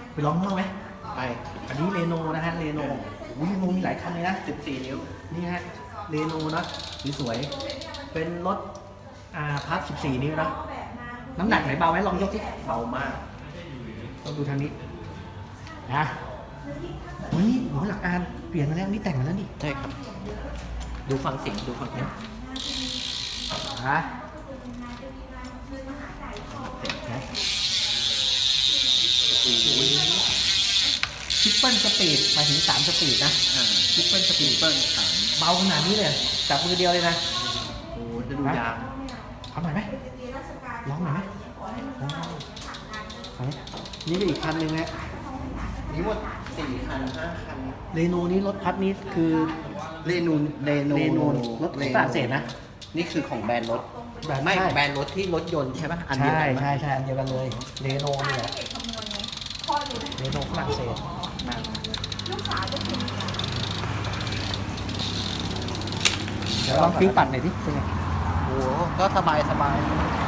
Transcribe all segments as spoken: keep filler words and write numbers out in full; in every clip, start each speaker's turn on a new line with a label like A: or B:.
A: ไปลองมั่งไหม
B: ไป
A: อันนี้เรโนนะฮะเรโนอุ้ยเรโนมีหลายคันเลยนะ
B: สิบสี่นิ้ว
A: นี่ฮะเรโนนะสวยๆเป็นรถอ่าพับสิบสี่นิ้วนะน้ำหนักไหนเบาไหมลองยกสิ
B: เบามาก
A: ต้องดูทางนี้นะเฮ้ยหัวหลักการเปลี่ยนมาแล้วนี่แต่งมาแล้วนี่
B: ใช่ครับ ดูฟังเสียงดูฟังเสียง
A: ฮะทริปเปิลสปีดหมายถึงสามสปีดนะ
B: อ่า
A: ทริปเปิลสปีด
B: เปิ้ลสาม
A: เบาขนาดนี้เลยจับมือเดียวเลยนะ
B: โอ้จะดูยาง
A: ทำหน่อยไหมลองหน่อยไหมอ๋อเอาไหมนี่ก็อีกคันหนึ่งนะ
B: นี่หมดสี่คันห้าคัน
A: เรโนนี้รถพัดนี้คือ
B: เรนูนเรนู
A: เรโนรถฝรั่งเศสนะ
B: นี่คือของแบรนด์รถ
A: แบรนด์
B: ไม่
A: ใช่
B: แบรนด์รถที่รถยนต์ใช่ปะอันเดียว
A: ใช่
B: กันปะ
A: ใช่ใช่อันเดียวกันเลยเรโนนี่แหละเรโนฝรั่งเศสเดี๋ยวลองฟิวปัดหน่อยดิเป็นไง
B: โอ้โหก็สบายสบาย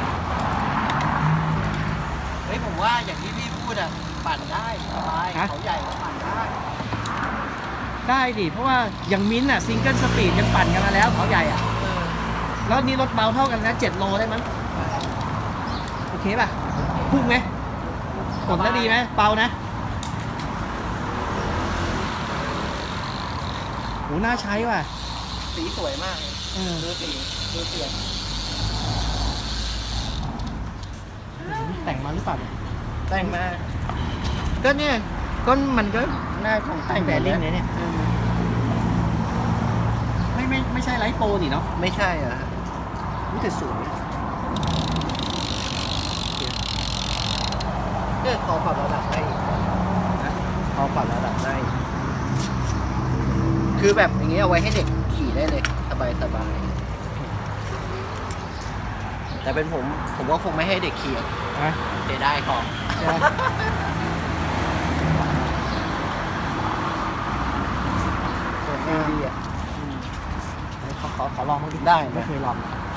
B: เฮ้ยผมว่าอย่างที่พี่พูดอ่ะปั่นได้สบายเขาใหญ่ก็ปั่นได้
A: ได้ดิเพราะว่าอย่างมิ้นท์อ่ะซิงเกิลสปีดยังปั่นกันมาแล้วเขาใหญ่อ่ะ
B: เออ
A: แล้วนี่รถเบาเท่ากันนะเจ็ดโลได้มั้งโอเคป่ะพุ่งไหมกดแล้วดีไหมเบานะโหน่าใช้ว่ะ
B: สีสวยมากเลย
A: เออ
B: ดูสีดูเสียง
A: แต่งมาหรือเปล่าเนี่ย
B: แต่งมาก็เนี่ยก็มันก็หน้าของแต่ง
A: แบริ่งเนี่ยเนี่ยไม่ไม่ไม่ใช่ไลท์โปรนี่เนาะ
B: ไม่ใช่เหรอ
A: รู้แต่สวย
B: ก็ขอปรับระดับได้อีกนะขอปรับระดับได้อีกคือแบบอย่างเงี้ยเอาไว้ให้เด็กขี่ได้เลย สบายสบายแต่เป็นผมผมก็คงไม่ให้เด็กขี่อะ
A: นะ
B: เสียได้ของ
A: ใช่ไหมสวยงามดีอ่ะขอขอขอลองบ้างดิ
B: ได้
A: ไม่
B: นะ
A: เคยลอง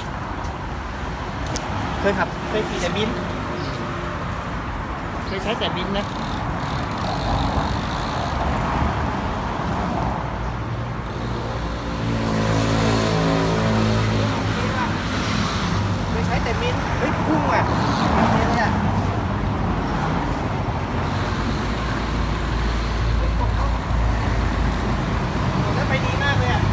A: เคยขับเคยขี่แต่บินเคยใช้แต่บินนะ
B: ไม่ใช้แต่มินเฮ้ยพุ่งอ่ะเนี่ยเนี่ยแล้วไปดีมากเลยอ่ะ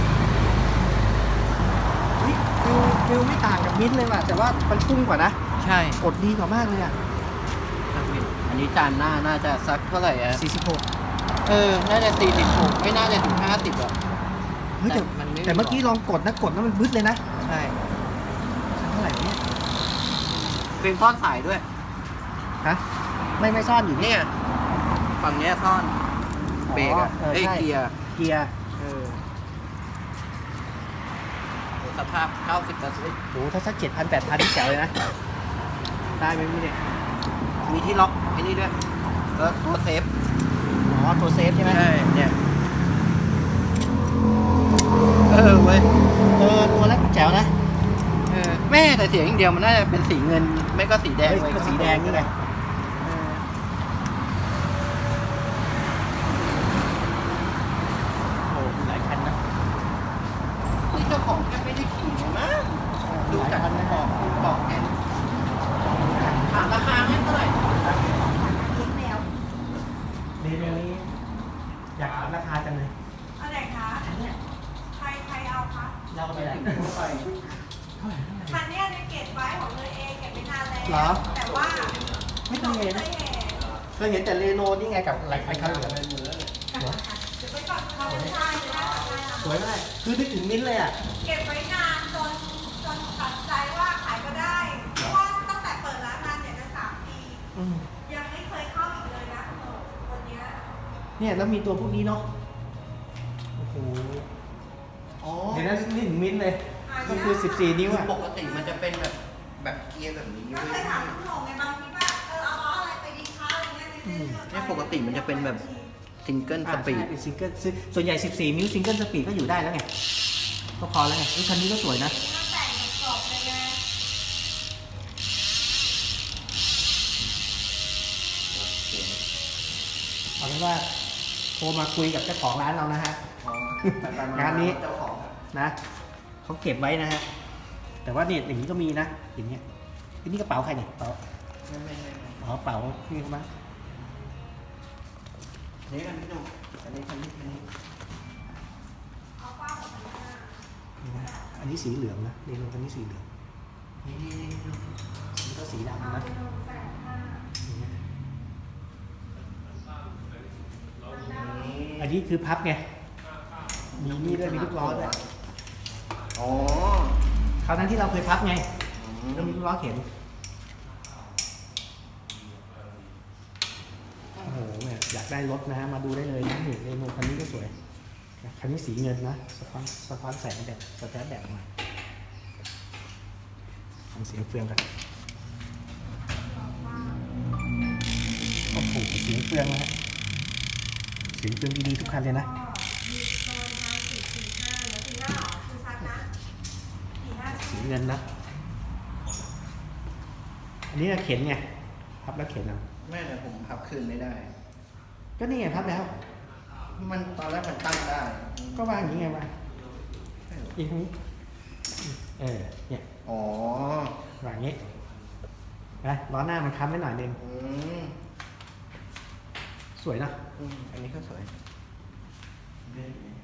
A: เฮ้ยฟิวฟิวไม่ต่างกับมิ้นท์เลยว่ะแต่ว่ามันพุ่งกว่านะ
B: ใช่
A: อดดีกว่ามากเลยอ่ะ
B: อันนี้จานหน้าน่าจะสักเท่าไหร่อ่ะ
A: สี่สิบหก
B: เออ น่าจะสี่สิบหกไม่น่าจะถึงห้าสิบอ่ะ
A: เฮ้ยแต่
B: แต่มันไม่
A: แต่เมื่อกี้ลองกดนะกดแล้วมันบึ้ดเลยนะ
B: ใช่
A: เท่าไหร่เนี่ย
B: เป็นซ่อนสายด้วย
A: ฮะไม่ไม่ซ่อนอยู่นี่
B: เนี่ย ฝั่งเนี้ยซ่อน เบรกอ่ะ
A: เออ
B: เอ้ย
A: ใช่
B: เกียร์
A: เกียร์
B: เออโหสภาพเก้าสิบเปอร์เซ็นต์
A: โหถ้าสักเจ็ดพันแปดพันที่แจ๋วเลยนะได้ไหมพี่เนี่ย
B: มีที่ล็อกไอ้นี่ด้วยแล้วตัวเซฟ
A: อ๋อตัวเซฟใช่ไหม
B: ใช่ เนี่ย เออเว้ย
A: เออตัวแล้วแจ๋วนะ
B: เออแม่แต่เสียงอย่างเดียวมันน่าจะเป็นสีเงิน ไม่ก็สีแดง
A: เฮ้ย
B: ไว้
A: ก็สีแดงนี่ไง
B: เออ
A: โอ้โหมีหลายคันนะ
B: นี่เจ้าของแค่ไม่ได้ขี่เลยมั้งดูจากบอกคุณบอกแค่ถามราคาให้เท่าไหร่
A: เรโนนี้อยากถามราคาจังเลย
C: อันไหนคะ ใครใครเอาคะ
A: เราไปไหน
B: ไป
C: คันเนี้ยในเก็บไว้ของเลยเองเก็บไว้นานแล้ว
A: เหรอ
C: แต่ว่า
A: ไม่เคยเห็น
C: เคยเห็น
A: เคยเห็นแต่เรโนนี่ไงกับอะไรคันเหลือง
C: เดี๋ยวไปก่อนเขาไม่ได้นะ
A: สวยมากคือนึกถึงมิ้นท์เลยอ่ะ
C: เก็บไว้นานจนจนตัดใจว่าขายก็ได้เพราะว่าตั้งแต่เปิดร้านมาเนี่ยจะสามปี
A: อืม
C: ยังไม่เคยเข้าอีกเลยนะเออคนเนี้ย
A: เนี่ยแล้วมีตัวพวกนี้เนาะโอ้โห
B: อ๋อ
A: เดี๋ยวนั้นนึกถึงมิ้นท์เลยก็คือสิบสี่นิ้ว
B: คือ
A: อ่ะ
B: ปกติมันจะเป็นแบบแบบเกียร์แบบนี้
C: ก็
B: เว้
C: เค
B: ย
C: ยถามคุณหงไงบางทีว่าเออเอาล้ออะไรไปดีคะอะไรเงี้ยในเรื่อง
B: เนี่ยปกติมันจะเป็นแบบซิงเกิลส
A: อ่า
B: ปีด
A: ใช่เป็นซิงเกิลส่วนใหญ่สิบสี่นิ้วซิงเกิลสปีดก็อยู่ได้แล้วไงก็พอแล้วไงนี่คันนี้ก็สวยนะ
C: มันแต่งกับกรอบเลยนะ
B: เ
A: เอาเป็นว่าโทรมาคุยกับเจ้าของร้านเรานะฮะ
B: อ๋อง
A: านนี้
B: เจ้าของ
A: นะเขาเก็บไว้นะฮะแต่ว่าเนี่ยอย่างนี้ก็มีนะอย่างเงี้ยอันนี้กระเป๋าใครเนี่ยกระเป๋า
B: ไม่ไม่ไม่ไม่
A: อ๋อกระเป๋าพี่เขามา
B: นี่อันนี้ดูอันนี้อันนี้อันนี้
C: เอาป้าของมันมา
A: นี่นะอันนี้สีเหลืองนะเรโนคันนี้สีเหลือง
B: นี่นี่นี่ดู
A: นี่ก็สี
C: เอา
A: ดำนะ
C: ไปลงแสนห้า
A: อย่างเงี้ย
B: นี่
A: อันนี้คือพับไงมีนี่ด้วยมีลูกล้อด้วย
B: อ๋อ
A: คราวนั้นที่เราเคยพับไง
B: อื
A: แล้ว
B: ม
A: มีลูกล้อเข็นโอ้โหเนี่ยอยากได้รถนะฮะมาดูได้เลยนะนี่เรโนคันนี้ก็สวยคันนี้สีเงินนะสะท้อนสะท้อนแสงแบบสะท้อนแบบมาฟังเสียงเฟืองกันโอ้โหเสียงเฟืองนะฮะเสียงเฟืองดีๆทุกคันเลยนะ
C: ก็มีโซนทางสี่สี่ห้าแล้วสี่ห้าหรอคือชัดนะสี่ห้า
A: สีเงินนะ อันนี้เราเข็นไงพับแล้วเข็นเอา
B: แม่แต่ผมพับคืนไม่ได้
A: ก็นี่ไงพับแล้ว
B: มันตอนแรกมันตั้งได้
A: ก็วางอย่างนี้ไงวางอีกทีนี้เออเนี่ย
B: อ๋อ
A: วางอย่างนี้นะล้อหน้ามันค้ำไว้หน่อยนึง
B: อืม
A: สวยเนอะ
B: อืมอันนี้ก็สวย